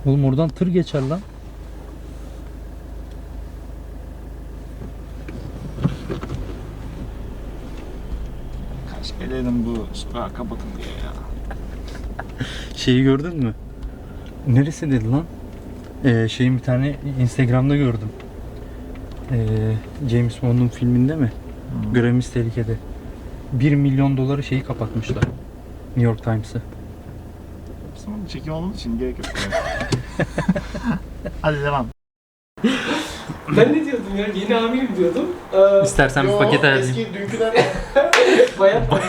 Oğlum oradan tır geçer lan. Kaç kere dedim bu sokağı kapatın diye ya. Şeyi gördün mü? Neresi dedi lan? Şeyin bir tane Instagram'da gördüm. James Bond'un filminde mi? Görevimiz tehlikede. 1 milyon doları şeyi kapatmışlar. New York Times'ı. Sonra çekim olduğu için gerek yok. Hadi devam. Ben ne diyordum ya? Yeni amirim diyordum. İstersen bir paket ayarlayayım. Eski dünküden Bayağı paket.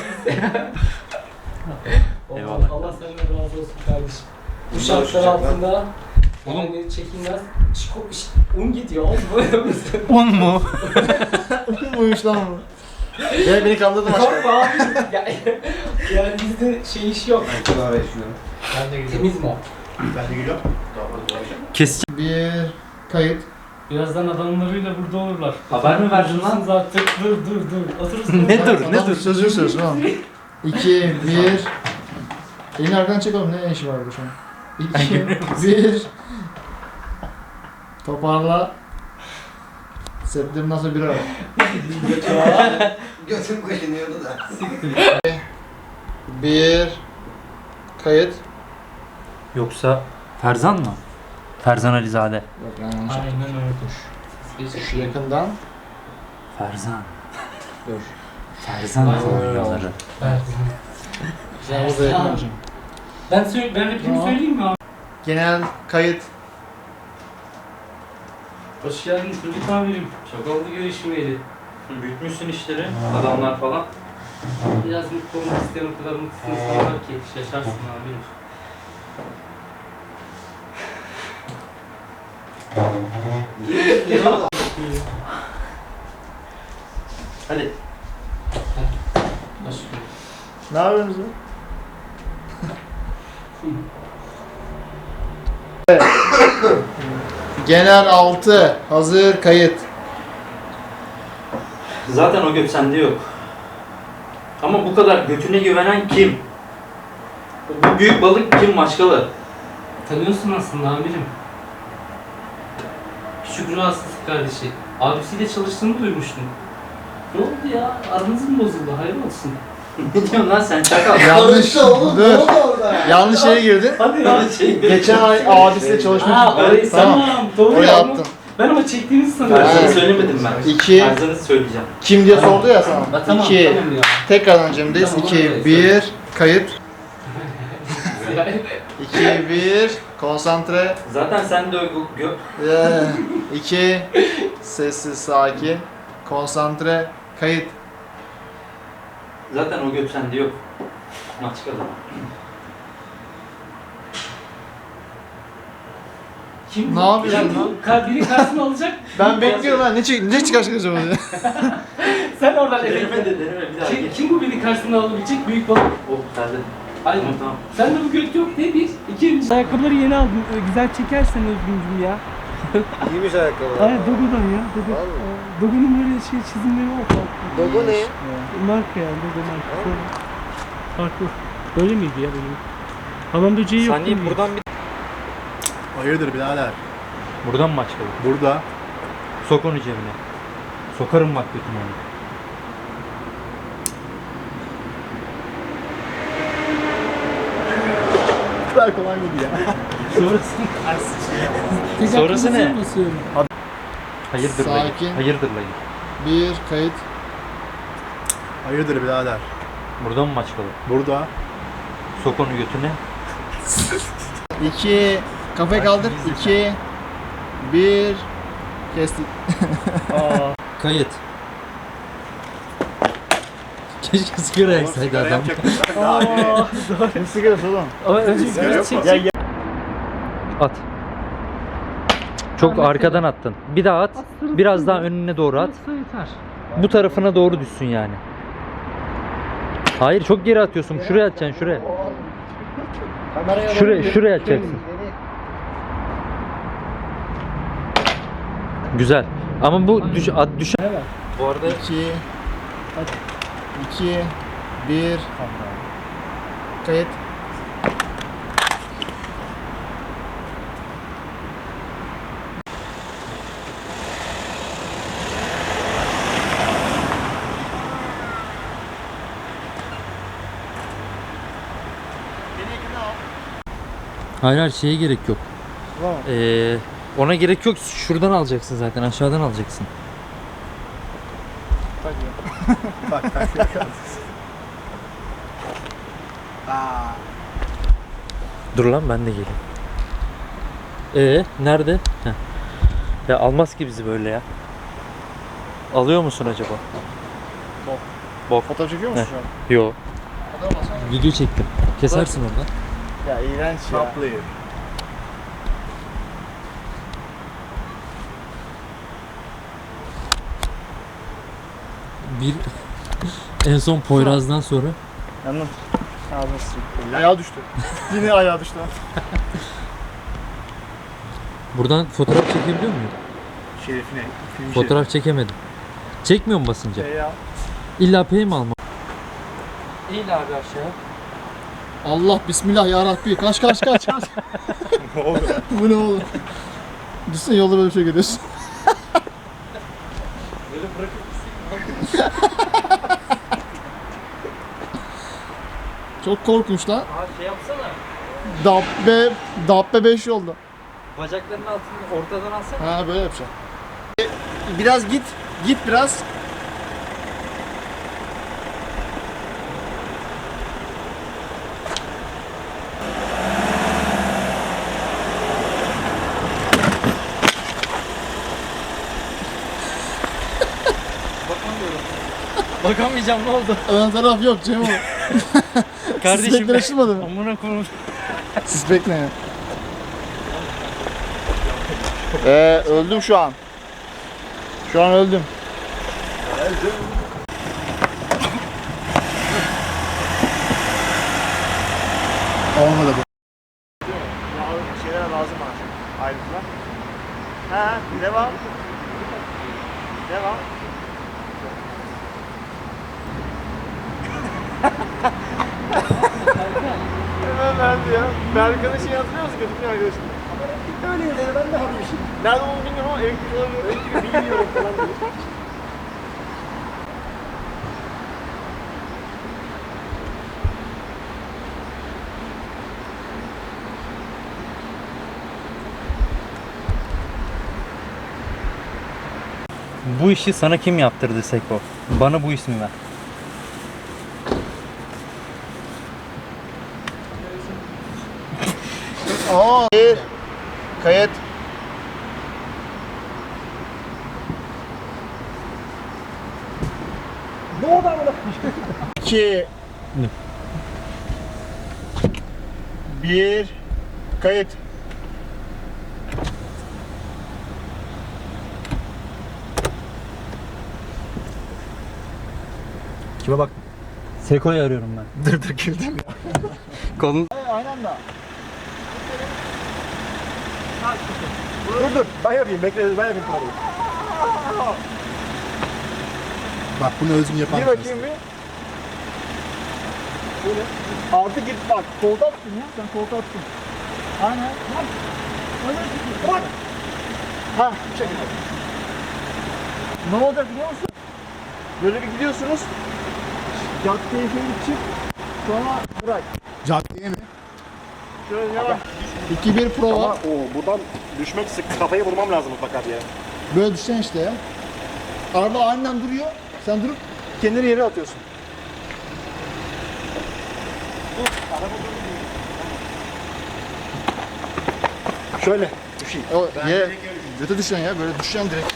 Eyvallah. Allah senden razı olsun kardeşim. Bu şartlar altında yani çekilmez. Un gidiyor oğlum böyle misin? Un mu? buymuş lan bu. Beni kandırdın aşkım. Korkma abi. Yani bizde şey iş yok. Ben de Temiz mi o? Ben de geliyorum. Keseceğim. Bir kayıt. Birazdan adamlarıyla burada olurlar. Haber mi verdin lan? Zaten dur. Oturursun. Ne dur? Adam sözünü söylüyorsun oğlum. 2, 1. Elini arkadan çek oğlum, ne işi var burada şu an? 2, 1. Toparla. Setlerim nasıl bir ara? Götüm kaşınıyordu da. 1. Kayıt. Yoksa Ferzan mı? Ferzan Alizade. Yok yani yanlış. Aynen öyle. Şu yakından. Ferzan. Dur. Ferzan oyunları. Ben burada yakın olacağım. Ben repliğimi Tamam. söyleyeyim mi abi? Genel kayıt. Hoş geldin çocuk amirim. Çok oldu görüşmeyeli. Büyütmüşsün işleri, adamlar falan. Biraz mutlu olmak isteyen o kadar mutlu insan var ki şaşarsın amirim. Hadi. Başka. Ne yapıyorsunuz lan? Evet. Genel 6. Hazır kayıt. Zaten o göt sende yok. Ama bu kadar götüne güvenen kim? Bu büyük balık kim Maçkalı? Tanıyorsun aslında amirim. Küçük rahatsız kardeşi. Abisiyle çalıştığını duymuştum. Ne oldu ya? Aranız mı bozuldu? Hayır olsun. Ne diyorsun lan sen çakal? Yanlış. Oğlum ne Dur. oldu orada? Yanlış yere girdin. Hadi ya. Geçen ay abisiyle çalışmıştık. Ha orayı Tamam. Doğru Oraya ya. attım. Ben ama çektiğinizi sanıyorum. Ha. Ferzan'ı söylemedim ben. 2. Ferzan'ı söyleyeceğim. Kim diye sordu ya sana. Ha, tamam 2. tamam ya. Tekrardan Cem'deyiz. Tamam, 2, oraya 1. Kayıt. 2, 1. Konsantre. Zaten sen de 2. Sessiz, sakin. Konsantre. Kayıt. zaten o göt sende yok. Maçkalı. Kim Ne bu? yapıyorsun Ya bu biri karşısına alacak. Ben bekliyorum lan. Ne çıkartacağım orada? Sen oradan Deneme efekt. de deneme bir daha Kim, geç. kim bu beni karşısına alabilecek büyük balık? Oh Ferzan. Aynen. Tamam tamam. Sen de bu göt yok diye bir, ikinci. Ayakkabıları yeni aldım. Güzel çekersen Özgüncüm ya. İyiymiş ayakkabılar. Aynen Dogo'dan ya. Dogo. Vallahi. Dogo'nun böyle şey çizimleri var farklı. Dogo ne? Marka yani Dogo marka. Farklı. Böyle miydi ya benim? Hamam böceği yok değil mi? bir... Hayırdır birader? Buradan mı Maçkalı? Burada. Sok onu cebine. Sokarım bak götüne onu. Kadar kolay mıydı ya? Sonrası ne? Basıyorum. Hayırdır lan. Sakin. Hayırdır lan. 1. Kayıt. Hayırdır birader? Buradan mı Maçkalı? Burada. Sok onu götüne. 2. Kafayı kaldır. 2. 1. Kestik. Kayıt. Keşke sigara yaksaydı adam. Ne sigarası oğlum? Ama önce biraz çek. At. Çok arkadan attın. Bir daha at. Biraz daha önüne doğru at. Yeter. Bu tarafına doğru düşsün yani. Hayır çok geri atıyorsun. Şuraya atacaksın şuraya. Şuraya atacaksın. Güzel. Ama bu düşen. Bu arada 2. 2. 1. Kayıt. Hayır hayır şeye gerek yok. Tamam. Ona gerek yok. Şuradan alacaksın zaten. Aşağıdan alacaksın. Bak Dur lan ben de geleyim. Nerede? Heh. Ya almaz ki bizi böyle ya. Alıyor musun acaba? Bok. Fotoğraf çekiyor musun şu an? Yo. Video çektim. Kesersin orada. Ya iğrenç ya. Saplıyor. Bir en son Poyraz'dan sonra Yandım. Ağzına sıçayım. Ayağı düştü. Yine ayağı düştü. buradan fotoğraf çekebiliyor muyum? Şerefine. Film Fotoğraf çekemedim. Çekmiyor mu basınca? Ya. İlla P'yi mi almam? İyi abi aşağı. Allah bismillah ya Rabbi. Kaç. Ne oldu? Bu ne oğlum? Düşünsene yolda böyle bir şey görüyorsun. Böyle bırakıp Çok korkunç lan. şey yapsana. Dabbe 5 yolda. Bacaklarının altını ortadan alsana. Ha böyle yapacağım. Biraz git. Git biraz. Bakamayacağım ne oldu? Ön taraf yok Cem o. Sispekler açılmadı mı? Amına koyayım. Sispek ne? Öldüm şu an. Şu an öldüm. Olmadı bu. Şeyler lazım bana. Ayrıntılar. Ha, devam. Devam. Hemen verdi ya. Berkan'ın şeyi hatırlıyor musun? Kötü arkadaşım. Öyle dedi, ben de harmışım. Nerede olduğunu bilmiyorum ama elektrik olabilir. Elektrik bilmiyorum falan dedi. Bu işi sana kim yaptırdı Seko? Bana bu ismi ver. Bir. Kayıt. Ne oldu amına? 2 1 Kayıt. Kime bak? Seko'yu arıyorum ben. Dur güldüm ya. Kolun... Aynı anda. Dur. Ben yapayım. Bekle. Ben yapayım parayı. Bak bunu özgün yapan. Gir bakayım bir. Böyle. Artık git bak. Koltuğa tuttun ya. Sen koltuğa tuttun. Aynen. Bak. Bak. Ha, bu şekilde. Ne olacak biliyor musun? Böyle bir gidiyorsunuz. Caddeye şöyle çık. Sonra bırak. Caddeye mi? Şöyle yavaş. 2-1 prova. Ama buradan düşmek sık. Kafayı vurmam lazım mutlaka diye. Böyle düşeceksin işte ya. Araba aniden duruyor. Sen durup Kendini yere atıyorsun. Şöyle düşeyim. o yere göte düşeceksin ya. Böyle düşeceksin direkt.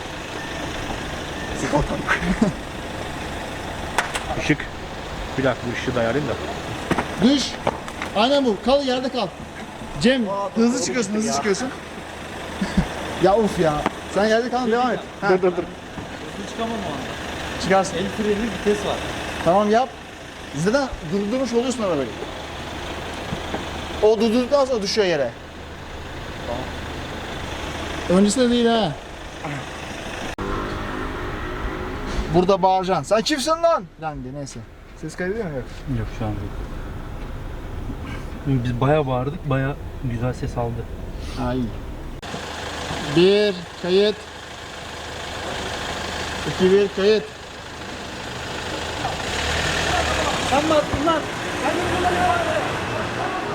Işık. Bir dakika bu ışığı da ayarlayayım da. Düş. Aynen bu. Kal yerde kal. Cem hızlı çıkıyorsun, hızlı çıkıyorsun. Ya of ya. Sen yerde kal, devam et. Ha, Dur. Hızlı çıkamam o anda. çıkarsın. El freni vites var. Tamam yap. Zaten durdurmuş oluyorsun arabayı. O durdurduktan sonra düşüyor yere. Tamam. Öncesinde değil ha. Burada bağıracaksın. Sen kimsin lan? Lan de neyse. Ses kaydediyor mu? Yok. Yok şu an değil. Biz bayağı bağırdık, bayağı güzel ses aldı. Ha iyi. 1 kayıt. 2-1 kayıt. Sen mi attın lan? Sen mi kullanıyorsun?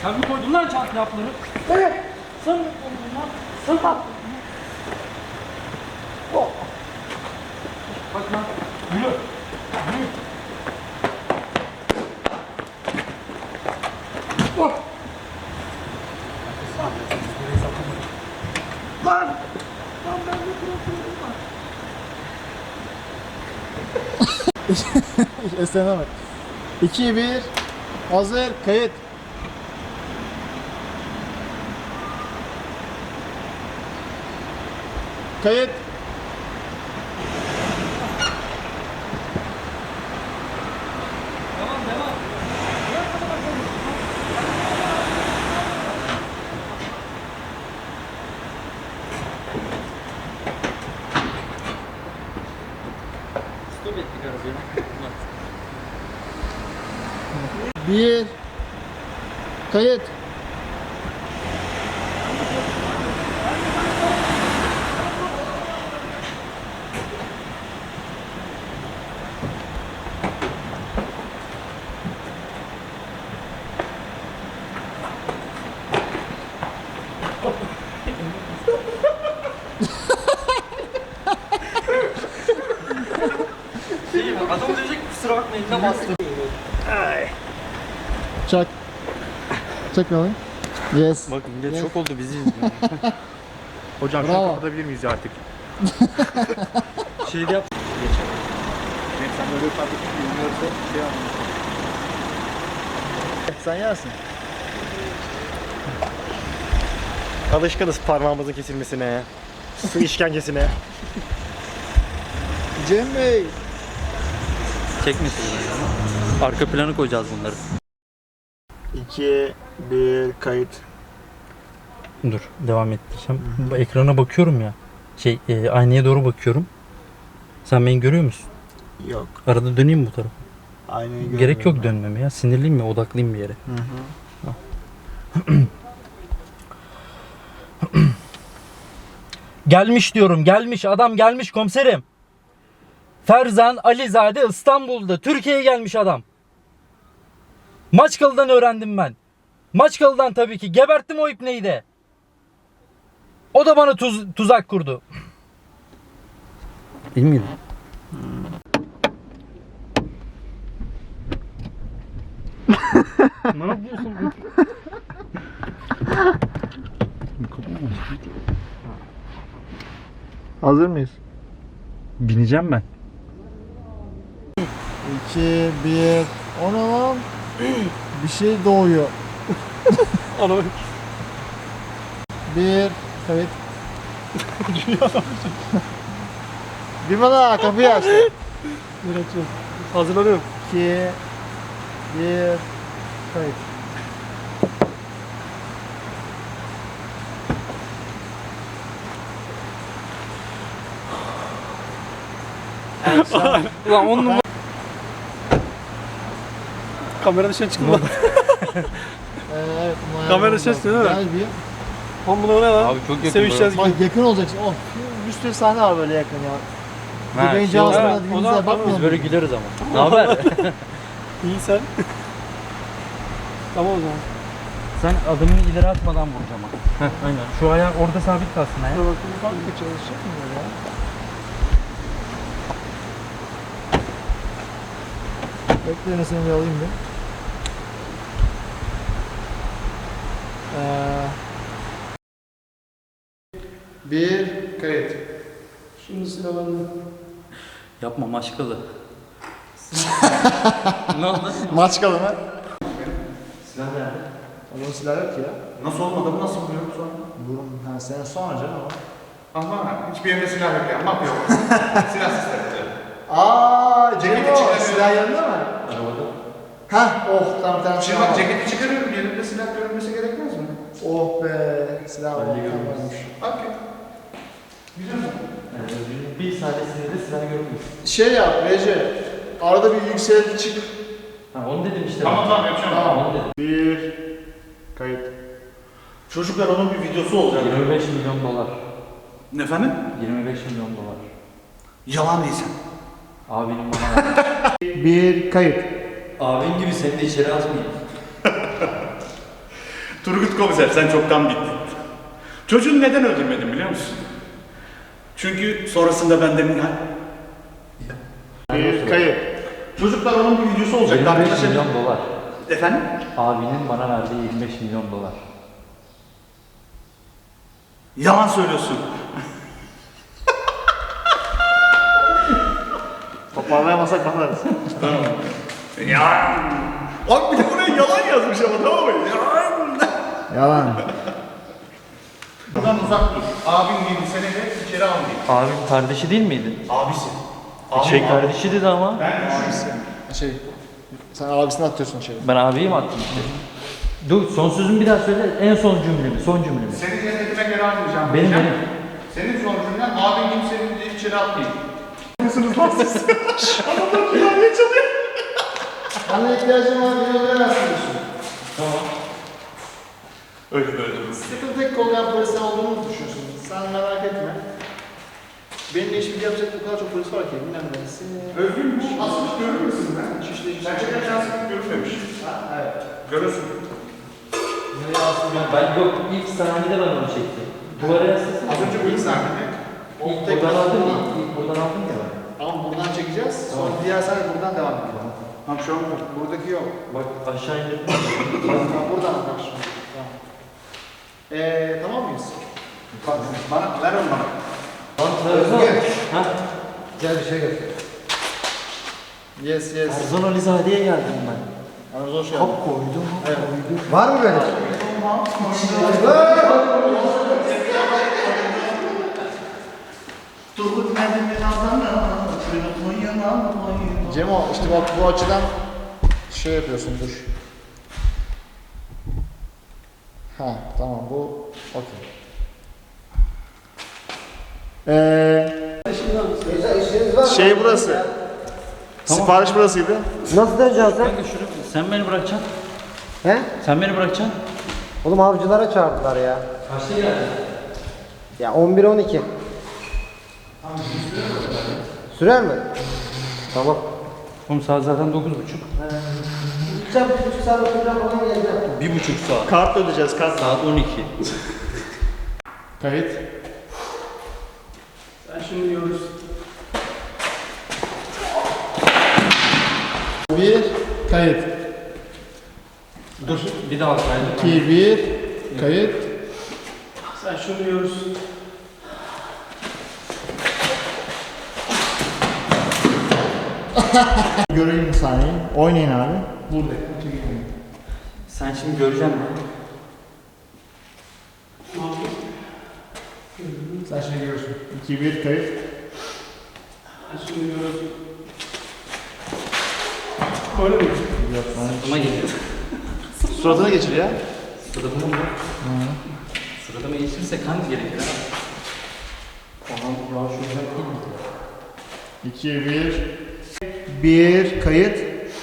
Sen mi koydun lan çantaya hapları? Evet. Sen mi koydun lan? Sen attın. Bak lan. Yürü. Esneme bak. 2, 1. Hazır. Kayıt. Kayıt. Devam devam. Stop ettik arabayı. 1. Kayıt. Adam diyecek kusura bakmayın ne bastım. Çak. Çak bakalım. Yes. Bak millet Yes. çok oldu bizi izliyor. Hocam şunu Bravo. kapatabilir miyiz ya artık? Şeyde yap. Sen böyle farklı bilmiyorsa şey anlamı. Sen yersin. Alışkınız parmağımızın kesilmesine, su işkencesine. Cem Bey. Çekmesin. Arka planı koyacağız bunları. 2, 1. Kayıt. Dur devam ettireceğim. Ekrana bakıyorum ya. Aynaya doğru bakıyorum. Sen beni görüyor musun? Yok. Arada döneyim mi bu tarafa? Aynayı Gerek yok dönmeme ya. Sinirliyim ya, odaklıyım bir yere. Gelmiş diyorum, gelmiş adam, gelmiş komiserim. Ferzan Alizade İstanbul'da, Türkiye'ye gelmiş adam. Maçkalı'dan öğrendim ben. Maçkalı'dan tabii ki. Geberttim o ipneyi de. O da bana tuzak kurdu. Değil miydi? Ne yapıyorsun? Hazır mıyız? Bineceğim ben. 2, 1. O ne lan? Bir şey doğuyor. Ana 1. Kayıt. Bir bana kapıyı açtı. hazırlanıyorum. 2, 1. Kayıt. Ulan on numara. Kamera dışına çıktım lan. Evet. Kamera ses değil mi? Gel bir. Lan bu ne lan? Abi çok yakın. Sevişeceğiz Bak gibi. yakın olacaksın. Oh, bir sürü sahne var böyle yakın ya. Ha, Beyin şey cihazına olarak- birbirimize Biz bakmayalım. böyle güleriz ama. Ne haber? İyi sen. Tamam o zaman. Sen adımını ileri atmadan vuracağım ama. Heh, aynen. Şu ayağı orada sabit kalsın ayağı. Dur bakayım bir farklı çalışacak mı böyle ya? Bekle seni bir alayım bir. Bir kayıt. Şimdi sıra bende. Yapma maşkalı. Ne oldu? Maçkalı mı? Silah nerede? Onun silah yok ya. Nasıl olmadı bu nasıl vuruyor sonra? Burun, ha sen sonra canım o. Ama hiçbir yerinde silah yok ya. Map yok. Silah sistemi. Ceketi çıkarıyor. Silah yanında mı? Arabada. Hah, oh tamam tamam. Şimdi bak ceketi çıkarıyorum. Yerimde silah görünmesi gerekmez mi? Oh be, silah var. Tamammış. Okey. Güzel mi? Bir saniyesinde de silah görmüyoruz. Şey yap, Recep. Arada bir yükselti çık. Ha onu dedim işte. Tamam yapacağım. Tamam. Onu dedim. Bir kayıt. Çocuklar onun bir videosu olacak. 25 milyon dolar. Efendim? 25 milyon dolar. Yalan değilsen. Abinin bana Bir kayıt. Abin gibi seni de içeri atmayayım. Turgut Komiser sen çoktan bittin. Çocuğunu neden öldürmedin biliyor musun? Çünkü sonrasında benden Bir kayıt. Çocuklar onun bir videosu olacak. 25 Arkadaşlar- milyon dolar. Efendim? Abinin bana verdiği 25 milyon dolar. Yalan söylüyorsun. Toparlayamasak bakarız. Yalan. Abi bir de buraya yalan yazmış ama tamam mı? Yalan. Yalan. Buradan uzak dur. Abim gibi seni de içeri almayayım. Abim kardeşi değil miydi? Abisi. Kardeşi dedi ama. Şey, sen abisini atıyorsun içeri. Ben abiyi mi attım işte? Dur son sözümü bir daha söyle. En son cümlemi. Son cümlemi. Senin cennetime geri almayacağım. Benim diyeceğim. benim. Senin son cümlen abin gibi seni de içeri atmayayım. Nasılsınız lan siz? Adamlar klavye çalıyor. Bana ihtiyacım var, beni öldüremezsin diyorsun. Öldüm. Sıkıntı tek kollayan polis sen olduğunu mu düşünüyorsun? Sen merak etme. Benimle işbirliği yapacak o kadar çok polis var ki, bilmem neresi. Özgürmüş. Asmış görür müsün ben? Şişli Gerçekten şanslık görünmemiş. Evet. Görürsün. Ben yok ilk sahnede ben onu çektim. Duvara yaslasın. Az önce bu ilk sahnede. İlk buradan aldım ya. İlk buradan aldım ya ben. Ama buradan çekeceğiz, sonra diğer sahne buradan devam ediyor. Tamam şu an bu. Buradaki yok. Bak aşağı indim. Buradan bak şimdi. Tamam. Tamam mıyız? Bak bana ver onu bana. Lan Trabzon. Ha? Gel bir şey göster. Yes, yes. Trabzon Alizade'ye geldim ben. Aramıza hoş geldin. Hop koydum. Var mı böyle? Turgut Mehmet'in adamı. Cemo işte bak bu açıdan şey yapıyorsun dur. Ha tamam bu okey. Şey burası. Sipariş burasıydı. Nasıl döneceksin sen? Kanka şunu sen beni bırakacaksın. He? Sen beni bırakacaksın. Oğlum avcılara çağırdılar ya. Kaçta geldin? Ya 11-12. Sürer mi? Tamam. Oğlum saat zaten 9.30. Gideceğim 1,5 saat oturacağım falan geleceğim. 1.5 saat. Kart ödeyeceğiz kart. Saat 12. Kayıt. Sen şimdi görürsün. Bir kayıt. Dur bir daha kaydı. 2 1 kayıt. Sen şunu görürsün. Göreyim sahneyi. Oynayın abi. Burada. Sen şimdi göreceksin mi? Sen şimdi görürsün. 2 1 kayıt. Sen şunu görürsün. Böyle mi? Yok lan. Suratıma geliyor. Suratına geçir ya. Suratıma mı? Suratıma geçirirse kan gerekir ha. Tamam ya şu güzel değil mi? 2 1 kayıt.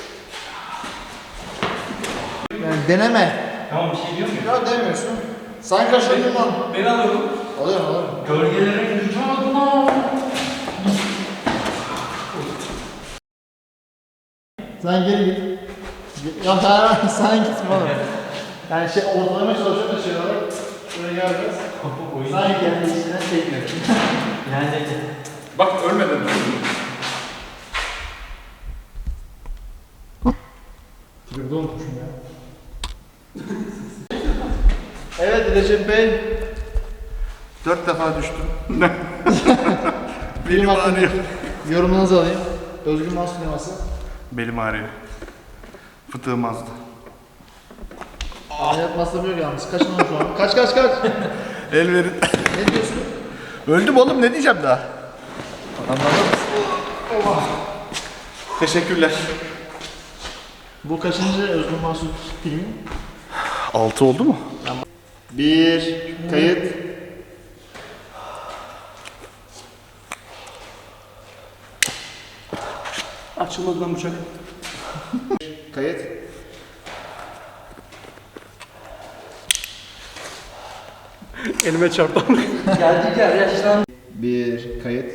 Yani deneme. Tamam bir şey diyor muyum? Ya demiyorsun. Sen kaçırdın lan. Beni alıyorum. Alıyorum. Gölgelere gideceğim adıma. Sen geri git. Ya hayır sen gitme oğlum. Yani şey ortalamaya çalışıyorum da şey olarak. Şöyle gel biraz. Sen kendi işinden çekmiyorsun. Yani Bak ölmedin. Tribüde unutmuşum ya. Evet Recep Bey. 4 defa düştüm. Film Belim ağrıyor. hakkındaki yorumunuzu alayım. Özgür Mahsun sineması. Belim ağrıyor. Fıtığım azdı. Hayat masrafı yok yalnız. Kaçın onu şu an. Kaç. El verin. Ne diyorsun? Öldüm oğlum ne diyeceğim daha? Teşekkürler. Bu kaçıncı Özgür Mahsun filmi? 6 oldu mu? Bir kayıt. Açılmadı lan bıçak. Kayıt. Elime çarptı. geldik ya yaşlan. Bir kayıt.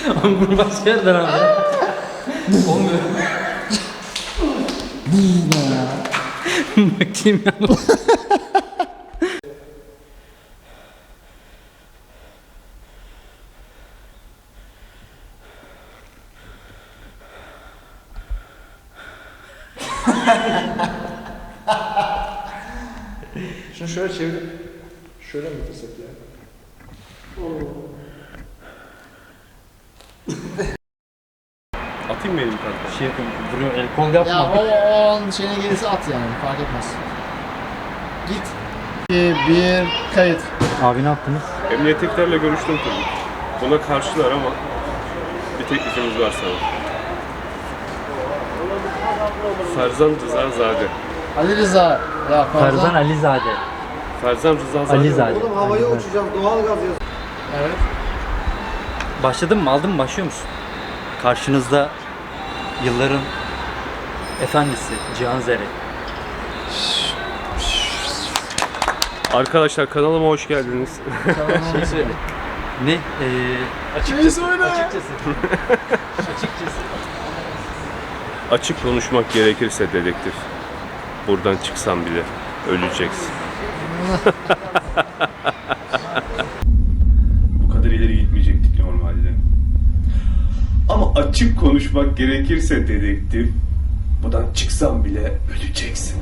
Oğlum bunu başka yerden al ya. Olmuyor. Bakayım ya. Şunu şöyle çevir. Şöyle mi bitirsek ya? Atayım mı elimi kanka? Şey yapayım, vuruyor, el kol yapma. Ya o an şeyine gelirse at yani fark etmez. Git. 2, 1, kayıt. Abi ne yaptınız? Emniyettekilerle görüştüm tabii. Buna karşılar ama bir teklifimiz var sana. Ferzan Rızazade. Ali Rıza. Ya Ferzan Alizade. Ferzan Rızazade. Alizade. Oğlum havaya Alizade. uçacağım. Doğal gaz yazıyor. Evet. Başladın mı? Aldın mı? Başlıyor musun? Karşınızda yılların efendisi Cihan Zerek. Arkadaşlar kanalıma hoş geldiniz. Şey söyle. Ne? Açıkçası. Açıkçası. Açık konuşmak gerekirse dedektif. Buradan çıksan bile öleceksin. Bu kadar ileri gitmeyecektik normalde. Ama açık konuşmak gerekirse dedektif. Buradan çıksan bile öleceksin.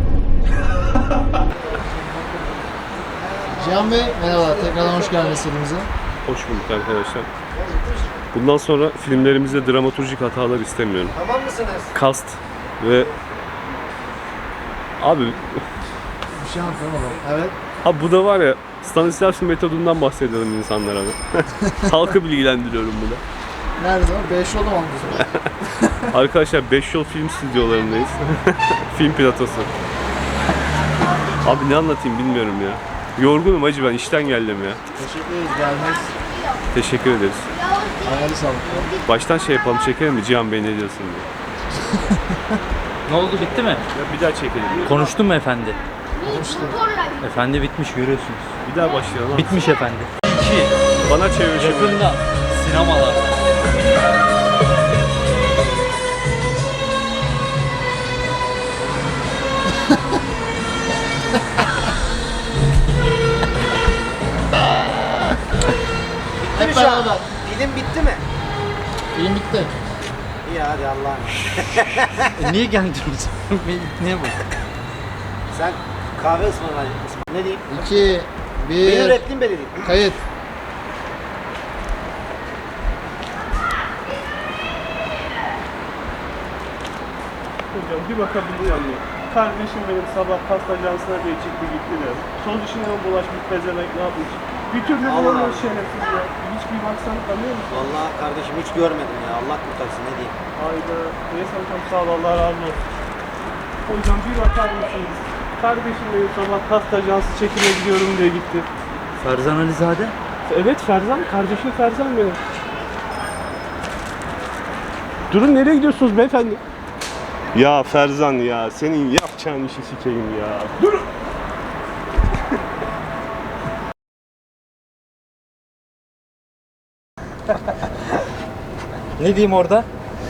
Cihan Bey merhaba. Tekrardan hoş geldiniz serimize. Hoş bulduk arkadaşlar. Bundan sonra filmlerimizde dramaturjik hatalar istemiyorum. Tamam mısınız? Cast ve abi Bir şey anlatamam. Evet. abi bu da var ya Stanislavski metodundan bahsediyorum insanlara. Halkı bilgilendiriyorum burada. Nerede o? 5 yolu mu aldınız? Arkadaşlar 5 yol film stüdyolarındayız. Film platosu. Abi ne anlatayım bilmiyorum ya. Yorgunum acı ben işten geldim ya. Teşekkür ederiz gelmeniz. Teşekkür ederiz. Ayağınız sağlık. Baştan şey yapalım çekelim mi Cihan Bey ne diyorsun diye. Ne oldu, bitti mi? Ya bir daha çekelim. Konuştun mu efendi? Konuştu. Efendi bitmiş, görüyorsunuz. Bir daha başlayalım. Bitmiş efendi. 2. Bana çevir şimdi. Yakında sinemalarda. Hep beraber. Film bitti mi? Film bitti. İyi hadi Allah'ım. Niye geldiniz? Niye bu? Sen kahve ısmarlayacaksın. Ne diyeyim? 2, Benim 1, ürettiğim belli değil. kayıt. Hocam bir bakabilir miyim? Kardeşim benim sabah pasta ajansına diye çıktı gitti de. Sol işine bulaşmış pezevenk ne yapmış? Bir türlü Allah bulamıyor Allah. şerefsiz ya. Hiç bir baksan tanıyor musun? Vallahi kardeşim hiç görmedim ya. Allah kurtarsın ne diyeyim. Hayda. Neyse hocam sağ ol Allah razı olsun. Hocam bir bakar mısınız? Kardeşim benim sabah pasta ajansı çekime gidiyorum diye gitti. Ferzan Alizade. Evet Ferzan, kardeşim Ferzan benim. Durun nereye gidiyorsunuz beyefendi? Ya Ferzan ya, senin yapacağın işi sikeyim ya. Durun! Ne diyeyim orada?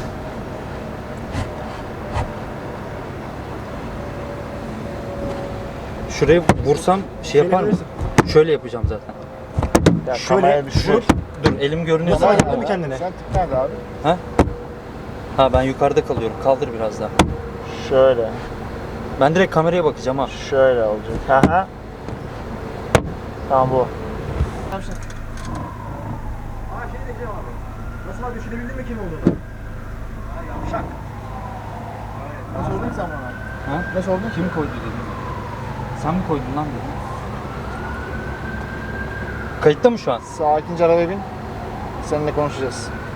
Şuraya vursam şey yapar mı? Şöyle yapacağım zaten. Şöyle vurup dur, elim görünüyor. Sen zaten. mi kendine? Sen tip nerede abi? Ha, ben yukarıda kalıyorum. Kaldır biraz daha. Şöyle. Ben direkt kameraya bakacağım ha. Şöyle olacak. Aha. Tamam bu. Aa şey diyeceğim abi. Nasıl abi düşünebildin mi kim olduğunu? Yavşak. Ne sordun ki sen bana? Ha? Ne sordun? Kim koydu dedim. Sen mi koydun lan dedim. Kayıtta mı şu an? Sakince arabaya bin. Seninle konuşacağız.